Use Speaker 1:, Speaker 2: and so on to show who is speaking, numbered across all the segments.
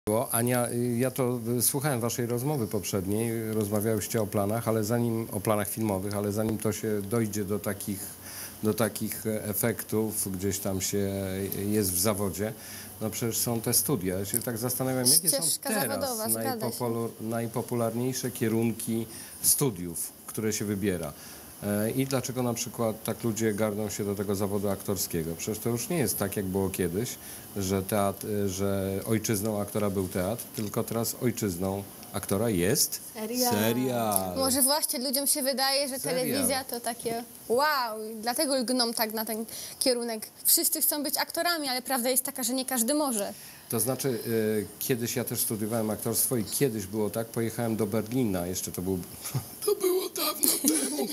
Speaker 1: Ania, ja to słuchałem waszej rozmowy poprzedniej, rozmawiałyście o planach, ale zanim o planach filmowych, ale zanim to się dojdzie do takich efektów, gdzieś tam się jest w zawodzie, no przecież są te studia. Ja się tak zastanawiam, jakie są teraz najpopularniejsze kierunki studiów, które się wybiera. I dlaczego na przykład tak ludzie garną się do tego zawodu aktorskiego? Przecież to już nie jest tak, jak było kiedyś, że ojczyzną aktora był teatr, tylko teraz ojczyzną aktora jest serial.
Speaker 2: Może właśnie ludziom się wydaje, że telewizja to takie wow, i dlatego lgną tak na ten kierunek. Wszyscy chcą być aktorami, ale prawda jest taka, że nie każdy może.
Speaker 1: To znaczy, kiedyś ja też studiowałem aktorstwo i kiedyś było tak, pojechałem do Berlina, jeszcze to było dawno temu.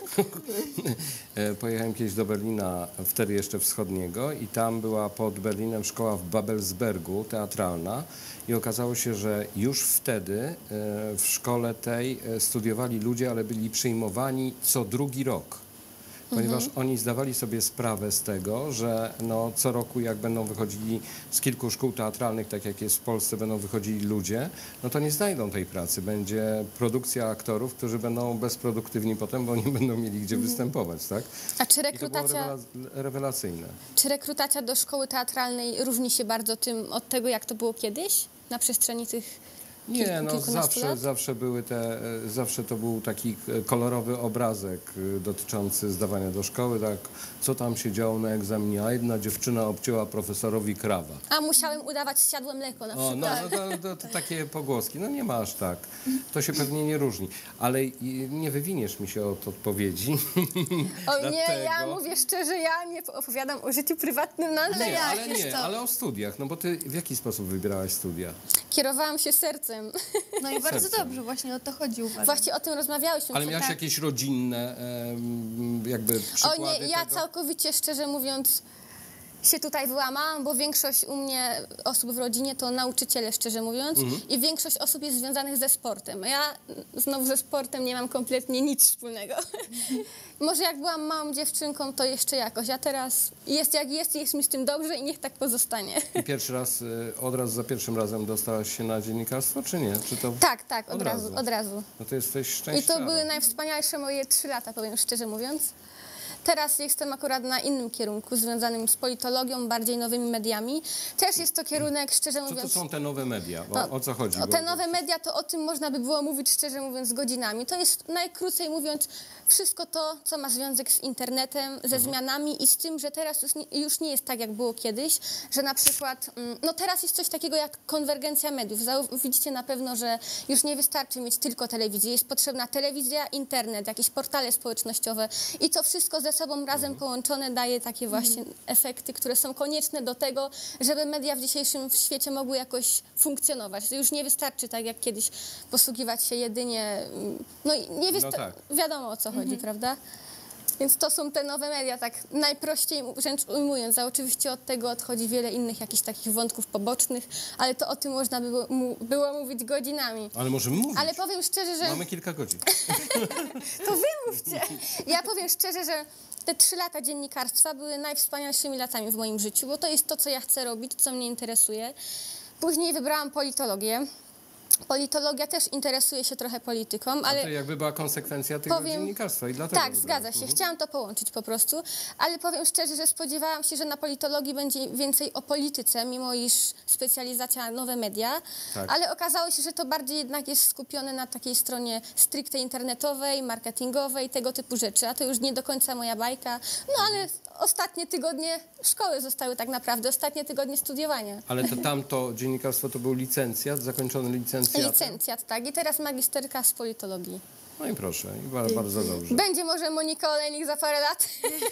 Speaker 1: Pojechałem kiedyś do Berlina, wtedy jeszcze wschodniego, i tam była pod Berlinem szkoła w Babelsbergu, teatralna, i okazało się, że już wtedy w szkole tej studiowali ludzie, ale byli przyjmowani co drugi rok. Ponieważ oni zdawali sobie sprawę z tego, że no, co roku jak będą wychodzili z kilku szkół teatralnych, tak jak jest w Polsce, będą wychodzili ludzie, no to nie znajdą tej pracy. Będzie produkcja aktorów, którzy będą bezproduktywni potem, bo nie będą mieli gdzie występować, tak?
Speaker 2: A czy rekrutacja,
Speaker 1: I to było rewelacyjne.
Speaker 2: Czy rekrutacja do szkoły teatralnej różni się bardzo tym od tego, jak to było kiedyś na przestrzeni tych
Speaker 1: Nie, no zawsze to był taki kolorowy obrazek dotyczący zdawania do szkoły, tak, co tam się działo na egzaminie, a jedna dziewczyna obcięła profesorowi krawat.
Speaker 2: A musiałem udawać zsiadłe mleko na przykład.
Speaker 1: To takie pogłoski, no nie ma aż tak, to się pewnie nie różni, ale nie wywiniesz mi się od odpowiedzi.
Speaker 2: O nie, ja mówię szczerze, ja nie opowiadam o życiu prywatnym na antenie.
Speaker 1: Ale o studiach, no bo ty w jaki sposób wybierałaś studia?
Speaker 2: Kierowałam się sercem.
Speaker 3: No i bardzo dobrze, właśnie o to chodzi, uważam.
Speaker 2: Właśnie o tym rozmawiałyśmy.
Speaker 1: Ale miałaś jakieś rodzinne jakby przykłady
Speaker 2: O nie, ja
Speaker 1: tego?
Speaker 2: całkowicie szczerze mówiąc się tutaj wyłamałam, bo większość u mnie osób w rodzinie to nauczyciele, szczerze mówiąc, i większość osób jest związanych ze sportem. Ja znowu ze sportem nie mam kompletnie nic wspólnego. Może jak byłam małą dziewczynką, to jeszcze jakoś, a teraz jest jak jest mi z tym dobrze i niech tak pozostanie.
Speaker 1: I pierwszy raz, od razu za pierwszym razem dostałaś się na dziennikarstwo, czy nie? Czy to
Speaker 2: Tak, od razu.
Speaker 1: No to jesteś szczęśliwa.
Speaker 2: I to były najwspanialsze moje 3 lata, powiem szczerze mówiąc. Teraz jestem akurat na innym kierunku, związanym z politologią, bardziej nowymi mediami. Też jest to kierunek, szczerze mówiąc...
Speaker 1: Co to są te nowe media? O co chodzi?
Speaker 2: Te nowe media, to o tym można by było mówić, szczerze mówiąc, godzinami. To jest, najkrócej mówiąc, wszystko to, co ma związek z internetem, ze zmianami i z tym, że teraz już nie jest tak, jak było kiedyś, że na przykład, no teraz jest coś takiego jak konwergencja mediów. Widzicie na pewno, że już nie wystarczy mieć tylko telewizję. Jest potrzebna telewizja, internet, jakieś portale społecznościowe i to wszystko ze sobą razem połączone daje takie właśnie efekty, które są konieczne do tego, żeby media w dzisiejszym świecie mogły jakoś funkcjonować. To już nie wystarczy tak jak kiedyś posługiwać się jedynie, no nie wiadomo o co chodzi, prawda? Więc to są te nowe media, tak najprościej wręcz ujmując, a oczywiście od tego odchodzi wiele innych jakichś takich wątków pobocznych, ale to o tym można było mówić godzinami.
Speaker 1: Ale możemy mówić.
Speaker 2: Ale powiem szczerze, że...
Speaker 1: Mamy kilka godzin.
Speaker 2: To wy mówcie. Ja powiem szczerze, że te 3 lata dziennikarstwa były najwspanialszymi latami w moim życiu, bo to jest to, co ja chcę robić, co mnie interesuje. Później wybrałam politologię. Politologia też interesuje się trochę polityką, ale...
Speaker 1: To jakby była konsekwencja tego dziennikarstwa i dlatego...
Speaker 2: Tak, zgadza się. Chciałam to połączyć po prostu, ale powiem szczerze, że spodziewałam się, że na politologii będzie więcej o polityce, mimo iż specjalizacja nowe media, ale okazało się, że to bardziej jednak jest skupione na takiej stronie stricte internetowej, marketingowej, tego typu rzeczy, a to już nie do końca moja bajka. No ale ostatnie tygodnie szkoły zostały tak naprawdę, ostatnie tygodnie studiowania.
Speaker 1: Ale to tamto dziennikarstwo to był licencjat, zakończony licencjat?
Speaker 2: Licencjat, tak. I teraz magisterka z politologii.
Speaker 1: No i proszę, i bardzo dobrze.
Speaker 2: Będzie może Monika Olejnik za parę lat.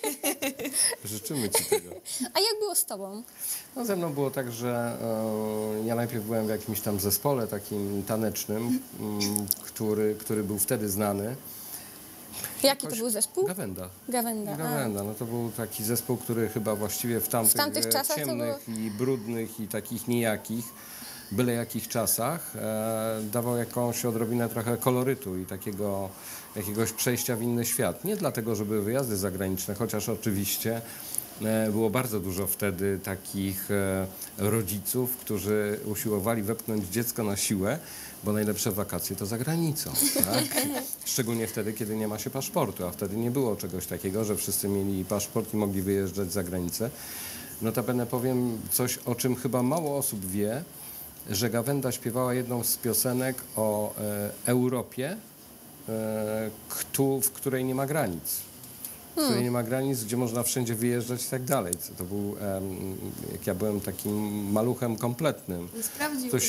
Speaker 1: Życzymy ci tego.
Speaker 2: A jak było z tobą?
Speaker 1: No ze mną było tak, że ja najpierw byłem w jakimś tam zespole takim tanecznym, który był wtedy znany.
Speaker 2: Jaki to był zespół?
Speaker 1: Gawenda.
Speaker 2: Gawenda.
Speaker 1: No to był taki zespół, który chyba właściwie w tamtych
Speaker 2: czasach
Speaker 1: ciemnych i brudnych i takich nijakich, byle jakich czasach dawał jakąś odrobinę trochę kolorytu i jakiegoś przejścia w inny świat. Nie dlatego, że były wyjazdy zagraniczne, chociaż oczywiście Było bardzo dużo wtedy takich rodziców, którzy usiłowali wepchnąć dziecko na siłę, bo najlepsze wakacje to za granicą, tak? Szczególnie wtedy, kiedy nie ma się paszportu, a wtedy nie było czegoś takiego, że wszyscy mieli paszport i mogli wyjeżdżać za granicę. Notabene powiem coś, o czym chyba mało osób wie, że Gawenda śpiewała jedną z piosenek o Europie, w której nie ma granic. W której nie ma granic, gdzie można wszędzie wyjeżdżać i tak dalej. To był, jak ja byłem takim maluchem kompletnym, to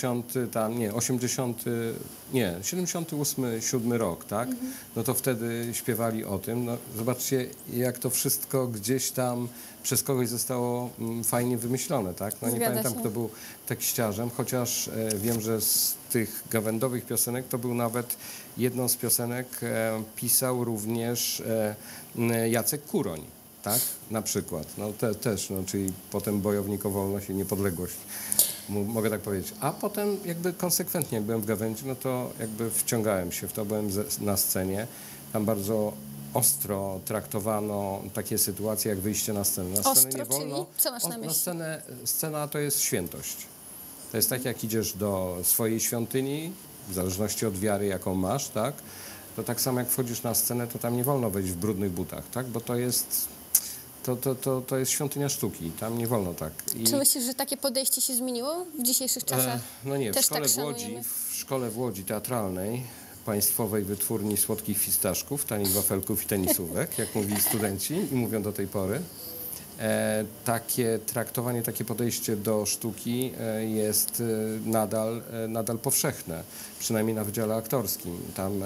Speaker 1: 78, 7 rok, tak? No to wtedy śpiewali o tym. No, zobaczcie, jak to wszystko gdzieś tam przez kogoś zostało fajnie wymyślone, tak? No nie
Speaker 2: Zgadza
Speaker 1: pamiętam,
Speaker 2: się.
Speaker 1: kto był tekściarzem, chociaż wiem, że z tych gawędowych piosenek to był nawet jedną z piosenek pisał również Jacek Kuroń, tak? Na przykład. No też, no, czyli potem bojownik o wolność i niepodległość. Mogę tak powiedzieć. A potem jakby konsekwentnie, jak byłem w Gawędzi, no to jakby wciągałem się w to, byłem na scenie. Tam bardzo ostro traktowano takie sytuacje, jak wyjście na scenę. Na scenę
Speaker 2: Ostro,
Speaker 1: nie wolno.
Speaker 2: czyli co masz na myśli?
Speaker 1: Scena to jest świętość. To jest tak, jak idziesz do swojej świątyni, w zależności od wiary, jaką masz, tak? To tak samo, jak wchodzisz na scenę, to tam nie wolno wejść w brudnych butach, tak? Bo to jest świątynia sztuki, tam nie wolno tak.
Speaker 2: Czy myślisz, że takie podejście się zmieniło w dzisiejszych czasach?
Speaker 1: No nie,
Speaker 2: Też tak
Speaker 1: w szkole w Łodzi teatralnej Państwowej Wytwórni Słodkich Fistaszków, tanich wafelków i tenisówek, jak mówili studenci i mówią do tej pory, takie traktowanie, takie podejście do sztuki jest nadal powszechne, przynajmniej na wydziale aktorskim. Tam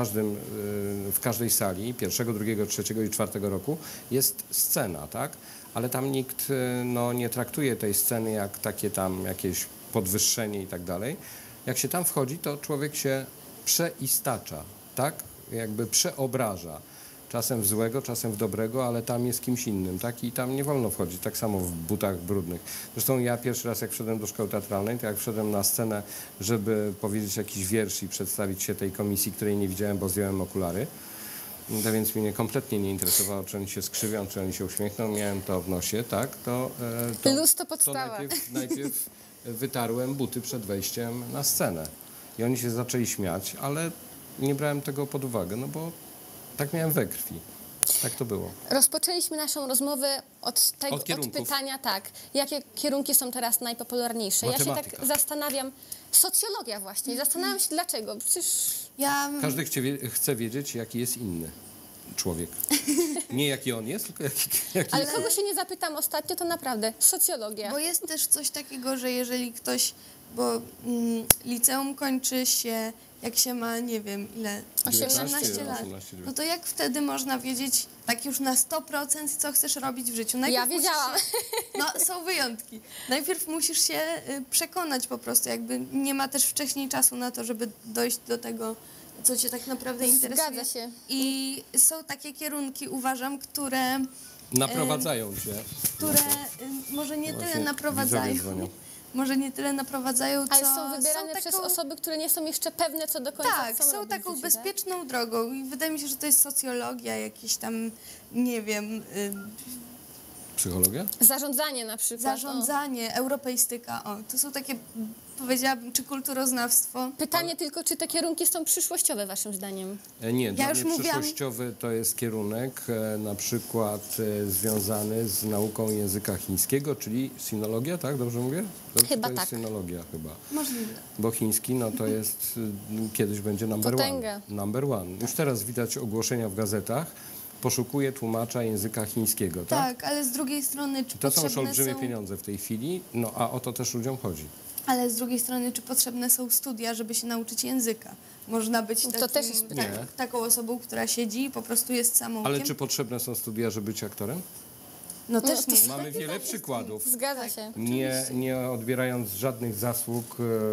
Speaker 1: w każdej sali pierwszego, drugiego, trzeciego i czwartego roku jest scena, tak? Ale tam nikt nie traktuje tej sceny jak takie tam jakieś podwyższenie i tak dalej. Jak się tam wchodzi, to człowiek się przeistacza, tak? Jakby przeobraża. Czasem w złego, czasem w dobrego, ale tam jest kimś innym, tak? I tam nie wolno wchodzić, tak samo w butach brudnych. Zresztą ja pierwszy raz, jak wszedłem do szkoły teatralnej, to jak wszedłem na scenę, żeby powiedzieć jakiś wiersz i przedstawić się tej komisji, której nie widziałem, bo zdjąłem okulary, to więc mnie kompletnie nie interesowało, czy oni się skrzywią, czy oni się uśmiechną, miałem to w nosie, tak?
Speaker 2: Luz to podstawa.
Speaker 1: Najpierw wytarłem buty przed wejściem na scenę. I oni się zaczęli śmiać, ale nie brałem tego pod uwagę, no bo tak miałem we krwi. Tak to było.
Speaker 2: Rozpoczęliśmy naszą rozmowę od pytania, tak, jakie kierunki są teraz najpopularniejsze. Ja się
Speaker 1: Matematyka.
Speaker 2: tak zastanawiam, socjologia właśnie, zastanawiam się dlaczego, przecież
Speaker 1: Każdy chce wiedzieć, jaki jest inny człowiek. Nie jaki on jest, tylko jaki
Speaker 2: ale kogo się nie zapytam ostatnio, to naprawdę socjologia.
Speaker 3: Bo jest też coś takiego, że jeżeli ktoś, bo liceum kończy się, jak się ma, nie wiem ile, 18 lat, no to jak wtedy można wiedzieć tak już na 100%, co chcesz robić w życiu?
Speaker 2: Ja wiedziałam.
Speaker 3: No, są wyjątki. Najpierw musisz się przekonać po prostu, jakby nie ma też wcześniej czasu na to, żeby dojść do tego, co cię tak naprawdę interesuje.
Speaker 2: Zgadza się.
Speaker 3: I są takie kierunki, uważam, które
Speaker 1: naprowadzają cię.
Speaker 3: może nie tyle
Speaker 1: Właśnie
Speaker 3: naprowadzają,
Speaker 1: widzowie dzwonią.
Speaker 3: może nie tyle naprowadzają, co
Speaker 2: Ale są wybierane przez osoby, które nie są jeszcze pewne co do końca,
Speaker 3: Tak,
Speaker 2: co
Speaker 3: są
Speaker 2: robić
Speaker 3: taką
Speaker 2: w życiu, tak?
Speaker 3: bezpieczną drogą i wydaje mi się, że to jest socjologia, jakieś tam, nie wiem,
Speaker 1: Psychologia?
Speaker 2: Zarządzanie na przykład.
Speaker 3: zarządzanie, europeistyka, to są takie, powiedziałabym, czy kulturoznawstwo.
Speaker 2: Pytanie tylko, czy te kierunki są przyszłościowe waszym zdaniem?
Speaker 1: Nie, dla
Speaker 3: już
Speaker 1: mnie
Speaker 3: mówiłam-
Speaker 1: przyszłościowy to jest kierunek na przykład związany z nauką języka chińskiego, czyli sinologia, tak? Dobrze mówię?
Speaker 2: Chyba
Speaker 1: to jest
Speaker 2: tak.
Speaker 1: sinologia chyba.
Speaker 3: Możliwe.
Speaker 1: Bo chiński, no to jest, kiedyś będzie number
Speaker 2: Potęga.
Speaker 1: one. Number one. Już teraz widać ogłoszenia w gazetach, poszukuje tłumacza języka chińskiego, tak?
Speaker 3: Tak, ale z drugiej strony, czy
Speaker 1: To są już
Speaker 3: potrzebne
Speaker 1: olbrzymie
Speaker 3: są...
Speaker 1: pieniądze w tej chwili, no a o to też ludziom chodzi.
Speaker 3: Ale z drugiej strony, czy potrzebne są studia, żeby się nauczyć języka? Można być
Speaker 2: To też jest
Speaker 1: pytanie. Nie.
Speaker 3: taką osobą, która siedzi i po prostu jest samoukiem.
Speaker 1: Ale czy potrzebne są studia, żeby być aktorem?
Speaker 3: No też
Speaker 2: to
Speaker 3: nie.
Speaker 1: Mamy wiele przykładów.
Speaker 2: Zgadza się.
Speaker 1: Nie odbierając żadnych zasług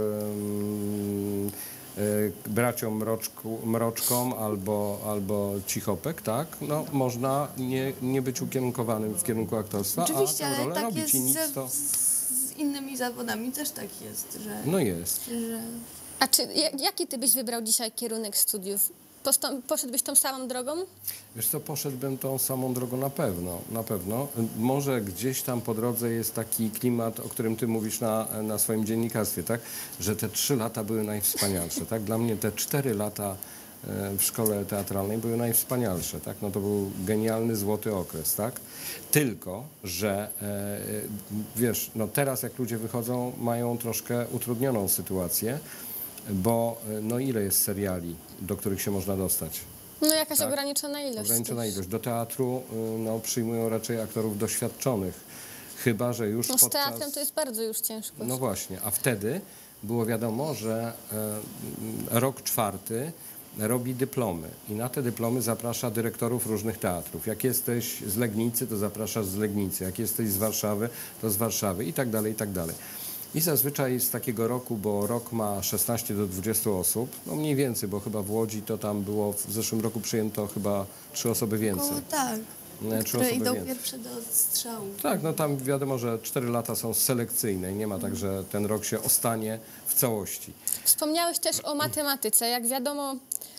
Speaker 1: braciom Mroczkom albo Cichopek, tak? No, można nie być ukierunkowanym w kierunku aktorstwa,
Speaker 3: Oczywiście,
Speaker 1: a tę
Speaker 3: ale
Speaker 1: rolę
Speaker 3: tak
Speaker 1: robić
Speaker 3: jest
Speaker 1: i nic to...
Speaker 3: z innymi zawodami też tak jest, że...
Speaker 1: No jest.
Speaker 3: że...
Speaker 2: A jaki ty byś wybrał dzisiaj kierunek studiów? poszedłbyś tą samą drogą?
Speaker 1: Wiesz co, poszedłbym tą samą drogą na pewno, na pewno. Może gdzieś tam po drodze jest taki klimat, o którym ty mówisz na swoim dziennikarstwie, tak? Że te 3 lata były najwspanialsze, tak? Dla mnie te 4 lata w szkole teatralnej były najwspanialsze, tak? No to był genialny, złoty okres, tak? Tylko, że wiesz, no teraz jak ludzie wychodzą, mają troszkę utrudnioną sytuację, bo no ile jest seriali, do których się można dostać?
Speaker 2: No jakaś
Speaker 1: Tak.
Speaker 2: ograniczona ilość.
Speaker 1: Ograniczona ilość. Do teatru no, przyjmują raczej aktorów doświadczonych, chyba że już
Speaker 2: No z
Speaker 1: podczas...
Speaker 2: teatrem to jest bardzo już ciężko.
Speaker 1: No właśnie, a wtedy było wiadomo, że rok 4 robi dyplomy i na te dyplomy zaprasza dyrektorów różnych teatrów. Jak jesteś z Legnicy, to zapraszasz z Legnicy. Jak jesteś z Warszawy, to z Warszawy i tak dalej, i tak dalej. I zazwyczaj z takiego roku, bo rok ma 16 do 20 osób, no mniej więcej, bo chyba w Łodzi to tam było, w zeszłym roku przyjęto chyba 3 osoby więcej.
Speaker 3: Koło, tak.
Speaker 1: Nie, 3
Speaker 3: Które
Speaker 1: osoby
Speaker 3: idą
Speaker 1: więcej.
Speaker 3: pierwsze do odstrzału.
Speaker 1: Tak, no tam wiadomo, że 4 lata są selekcyjne i nie ma tak, że ten rok się ostanie w całości.
Speaker 2: Wspomniałeś też o matematyce. Jak wiadomo,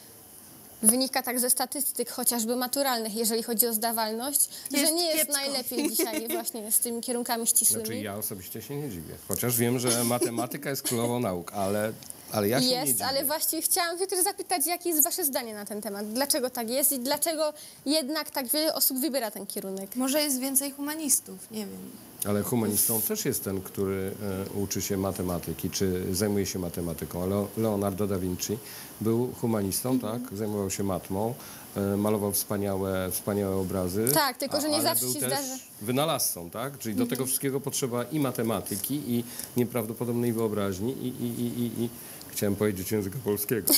Speaker 2: wynika tak ze statystyk chociażby maturalnych, jeżeli chodzi o zdawalność, że
Speaker 3: Jest
Speaker 2: nie jest
Speaker 3: kiepsko.
Speaker 2: najlepiej dzisiaj właśnie z tymi kierunkami ścisłymi.
Speaker 1: Znaczy ja osobiście się nie dziwię, chociaż wiem, że matematyka jest królową nauk, ale ja się nie
Speaker 2: Jest,
Speaker 1: dziwię.
Speaker 2: ale właściwie chciałam się też zapytać, jakie jest wasze zdanie na ten temat? Dlaczego tak jest i dlaczego jednak tak wiele osób wybiera ten kierunek?
Speaker 3: Może jest więcej humanistów, nie wiem.
Speaker 1: Ale humanistą też jest ten, który uczy się matematyki, czy zajmuje się matematyką. Ale Leonardo da Vinci był humanistą, tak? Zajmował się matmą, malował wspaniałe obrazy.
Speaker 2: Tak, tylko że nie
Speaker 1: ale
Speaker 2: zawsze
Speaker 1: był
Speaker 2: się
Speaker 1: też
Speaker 2: zdarza.
Speaker 1: wynalazcą, tak? Czyli do tego wszystkiego potrzeba i matematyki, i nieprawdopodobnej wyobraźni, i chciałem powiedzieć języka polskiego.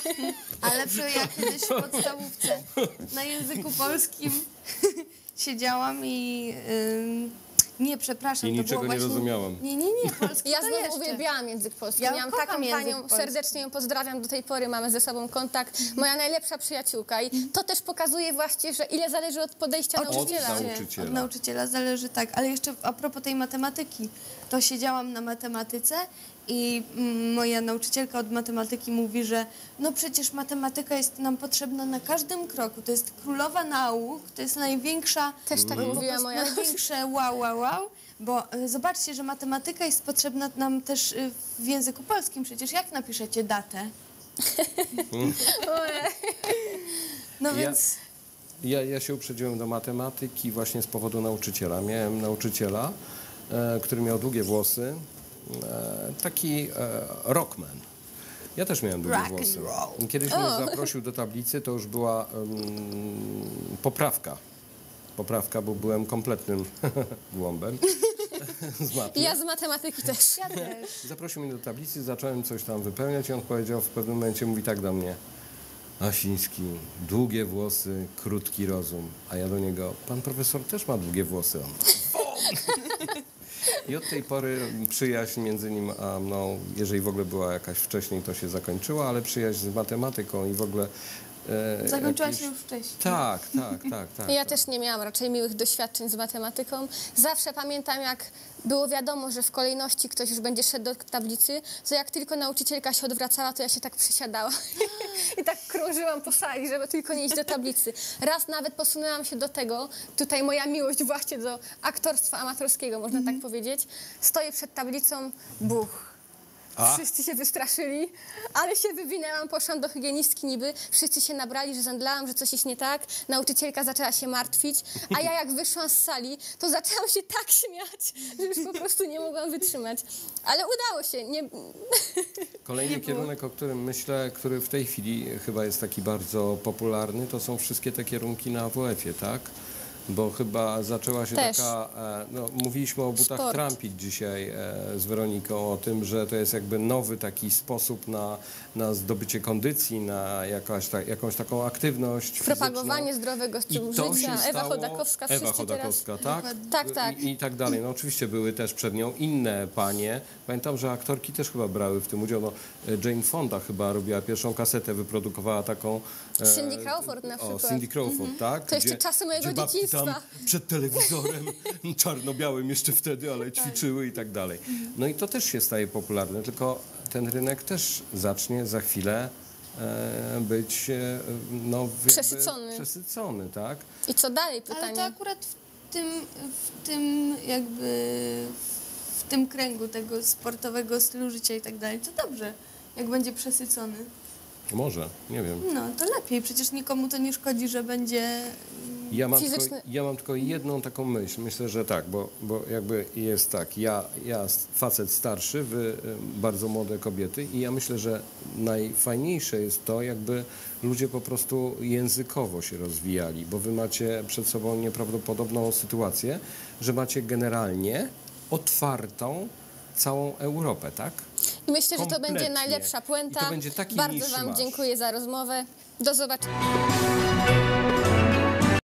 Speaker 3: Ale ja kiedyś w podstawówce na języku polskim siedziałam i... nie, przepraszam,
Speaker 1: I
Speaker 3: to
Speaker 1: niczego
Speaker 3: było
Speaker 1: nie
Speaker 3: właśnie...
Speaker 1: rozumiałem.
Speaker 3: Nie, polski
Speaker 2: Ja
Speaker 3: to
Speaker 2: znowu
Speaker 3: jeszcze.
Speaker 2: uwielbiałam język polski.
Speaker 3: Ja
Speaker 2: Miałam
Speaker 3: kocham
Speaker 2: taką
Speaker 3: język
Speaker 2: panią,
Speaker 3: polski.
Speaker 2: serdecznie ją pozdrawiam do tej pory, mamy ze sobą kontakt. Moja najlepsza przyjaciółka i to też pokazuje właśnie, że ile zależy od podejścia nauczyciela.
Speaker 1: nauczyciela.
Speaker 3: Od nauczyciela zależy, tak. Ale jeszcze a propos tej matematyki, to siedziałam na matematyce i moja nauczycielka od matematyki mówi, że no przecież matematyka jest nam potrzebna na każdym kroku. To jest królowa nauk, to jest największa...
Speaker 2: Też tak mówiła moja
Speaker 3: Największe wow. Bo zobaczcie, że matematyka jest potrzebna nam też w języku polskim. Przecież jak napiszecie datę? No więc...
Speaker 1: Ja się uprzedziłem do matematyki właśnie z powodu nauczyciela. Miałem nauczyciela, który miał długie włosy, taki rockman. Ja też miałem długie
Speaker 3: Rock and
Speaker 1: włosy.
Speaker 3: roll.
Speaker 1: Kiedyś mnie zaprosił do tablicy, to już była poprawka. Poprawka, bo byłem kompletnym głąbem z matmy.
Speaker 2: Ja z matematyki też.
Speaker 3: Ja też.
Speaker 1: Zaprosił mnie do tablicy, zacząłem coś tam wypełniać i on powiedział w pewnym momencie, mówi tak do mnie: Asiński, długie włosy, krótki rozum. A ja do niego: pan profesor też ma długie włosy. On: I od tej pory przyjaźń między nim a mną, jeżeli w ogóle była jakaś wcześniej, to się zakończyła, ale przyjaźń z matematyką i w ogóle...
Speaker 3: Zakończyłaś się już wcześniej.
Speaker 1: Tak.
Speaker 2: Ja też nie miałam raczej miłych doświadczeń z matematyką. Zawsze pamiętam, jak było wiadomo, że w kolejności ktoś już będzie szedł do tablicy, to jak tylko nauczycielka się odwracała, to ja się tak przysiadałam i tak krążyłam po sali, żeby tylko nie iść do tablicy. Raz nawet posunęłam się do tego, tutaj moja miłość właśnie do aktorstwa amatorskiego, można tak powiedzieć. Stoję przed tablicą, buch. Wszyscy się wystraszyli, ale się wywinęłam, poszłam do hygienistki niby, wszyscy się nabrali, że zemdlałam, że coś jest nie tak, nauczycielka zaczęła się martwić, a ja jak wyszłam z sali, to zaczęłam się tak śmiać, że już po prostu nie mogłam wytrzymać. Ale udało się.
Speaker 1: Kolejny kierunek, o którym myślę, który w tej chwili chyba jest taki bardzo popularny, to są wszystkie te kierunki na AWF-ie, tak? Bo chyba zaczęła się
Speaker 2: Też.
Speaker 1: taka, no, mówiliśmy o butach
Speaker 2: Sport.
Speaker 1: trampić dzisiaj z Weroniką, o tym, że to jest jakby nowy taki sposób na zdobycie kondycji, na jakąś taką aktywność
Speaker 2: Propagowanie
Speaker 1: fizyczną.
Speaker 2: zdrowego stylu
Speaker 1: I to
Speaker 2: życia.
Speaker 1: się
Speaker 2: Ewa
Speaker 1: stało-
Speaker 2: Chodakowska,
Speaker 1: Ewa
Speaker 2: wszyscy
Speaker 1: Chodakowska,
Speaker 2: teraz.
Speaker 1: tak?
Speaker 2: Tak.
Speaker 1: I tak dalej. No oczywiście były też przed nią inne panie. Pamiętam, że aktorki też chyba brały w tym udział. No, Jane Fonda chyba robiła pierwszą kasetę, wyprodukowała taką...
Speaker 2: Cindy Crawford na przykład.
Speaker 1: Cindy Crawford, tak?
Speaker 2: To jeszcze czasy mojego
Speaker 1: gdzie babki
Speaker 2: dzieciństwa.
Speaker 1: tam przed telewizorem, czarno-białym jeszcze wtedy, ale ćwiczyły i tak dalej. No i to też się staje popularne, tylko ten rynek też zacznie za chwilę być no,
Speaker 2: Przesycony.
Speaker 1: przesycony, tak?
Speaker 2: I co dalej
Speaker 3: Ale
Speaker 2: pytanie?
Speaker 3: to akurat w tym kręgu tego sportowego stylu życia i tak dalej, to dobrze, jak będzie przesycony.
Speaker 1: Może, nie wiem.
Speaker 3: No, to lepiej, przecież nikomu to nie szkodzi, że będzie...
Speaker 1: Ja mam tylko jedną taką myśl. Myślę, że tak, bo jakby jest tak, ja facet starszy, wy bardzo młode kobiety i ja myślę, że najfajniejsze jest to, jakby ludzie po prostu językowo się rozwijali, bo wy macie przed sobą nieprawdopodobną sytuację, że macie generalnie otwartą całą Europę, tak?
Speaker 2: I myślę, że to będzie
Speaker 1: Kompletnie.
Speaker 2: najlepsza puenta.
Speaker 1: I to będzie taki
Speaker 2: Bardzo
Speaker 1: niższy
Speaker 2: Wam
Speaker 1: marsz.
Speaker 2: dziękuję za rozmowę. Do zobaczenia.